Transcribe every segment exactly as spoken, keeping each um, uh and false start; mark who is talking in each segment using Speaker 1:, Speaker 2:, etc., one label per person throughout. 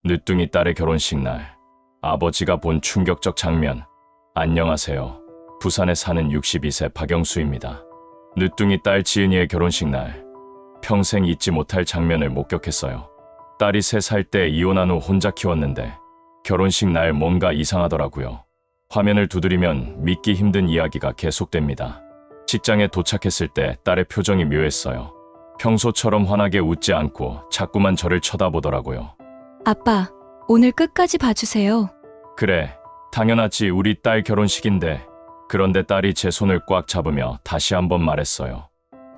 Speaker 1: 늦둥이 딸의 결혼식 날 아버지가 본 충격적 장면. 안녕하세요. 부산에 사는 육십이 세 박영수입니다. 늦둥이 딸 지은이의 결혼식 날 평생 잊지 못할 장면을 목격했어요. 딸이 세 살 때 이혼한 후 혼자 키웠는데 결혼식 날 뭔가 이상하더라고요. 화면을 두드리면 믿기 힘든 이야기가 계속됩니다. 직장에 도착했을 때 딸의 표정이 묘했어요. 평소처럼 환하게 웃지 않고 자꾸만 저를 쳐다보더라고요.
Speaker 2: 아빠, 오늘 끝까지 봐주세요.
Speaker 1: 그래, 당연하지. 우리 딸 결혼식인데. 그런데 딸이 제 손을 꽉 잡으며 다시 한번 말했어요.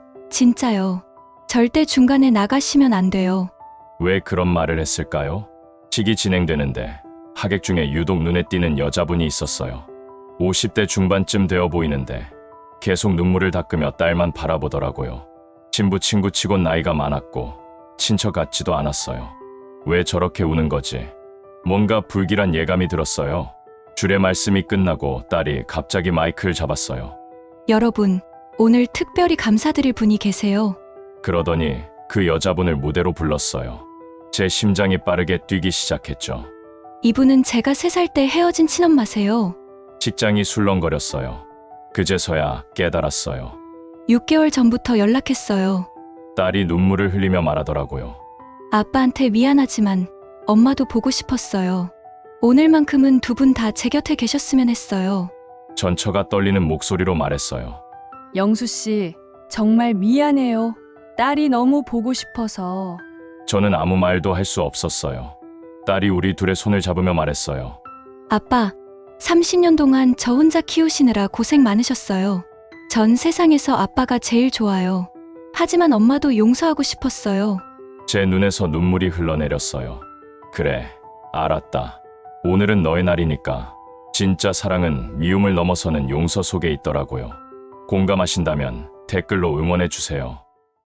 Speaker 2: 진짜요. 절대 중간에 나가시면 안 돼요.
Speaker 1: 왜 그런 말을 했을까요? 식이 진행되는데 하객 중에 유독 눈에 띄는 여자분이 있었어요. 오십 대 중반쯤 되어 보이는데 계속 눈물을 닦으며 딸만 바라보더라고요. 친부 친구치곤 나이가 많았고 친척 같지도 않았어요. 왜 저렇게 우는 거지? 뭔가 불길한 예감이 들었어요. 주례 말씀이 끝나고 딸이 갑자기 마이크를 잡았어요.
Speaker 2: 여러분, 오늘 특별히 감사드릴 분이 계세요.
Speaker 1: 그러더니 그 여자분을 무대로 불렀어요. 제 심장이 빠르게 뛰기 시작했죠.
Speaker 2: 이분은 제가 세 살 때 헤어진 친엄마세요.
Speaker 1: 직장이 술렁거렸어요. 그제서야 깨달았어요.
Speaker 2: 육 개월 전부터 연락했어요.
Speaker 1: 딸이 눈물을 흘리며 말하더라고요.
Speaker 2: 아빠한테 미안하지만 엄마도 보고 싶었어요. 오늘만큼은 두 분 다 제 곁에 계셨으면 했어요.
Speaker 1: 전처가 떨리는 목소리로 말했어요.
Speaker 3: 영수 씨, 정말 미안해요. 딸이 너무 보고 싶어서.
Speaker 1: 저는 아무 말도 할 수 없었어요. 딸이 우리 둘의 손을 잡으며 말했어요.
Speaker 2: 아빠, 삼십 년 동안 저 혼자 키우시느라 고생 많으셨어요. 전 세상에서 아빠가 제일 좋아요. 하지만 엄마도 용서하고 싶었어요.
Speaker 1: 제 눈에서 눈물이 흘러내렸어요. 그래, 알았다. 오늘은 너의 날이니까. 진짜 사랑은 미움을 넘어서는 용서 속에 있더라고요. 공감하신다면 댓글로 응원해주세요.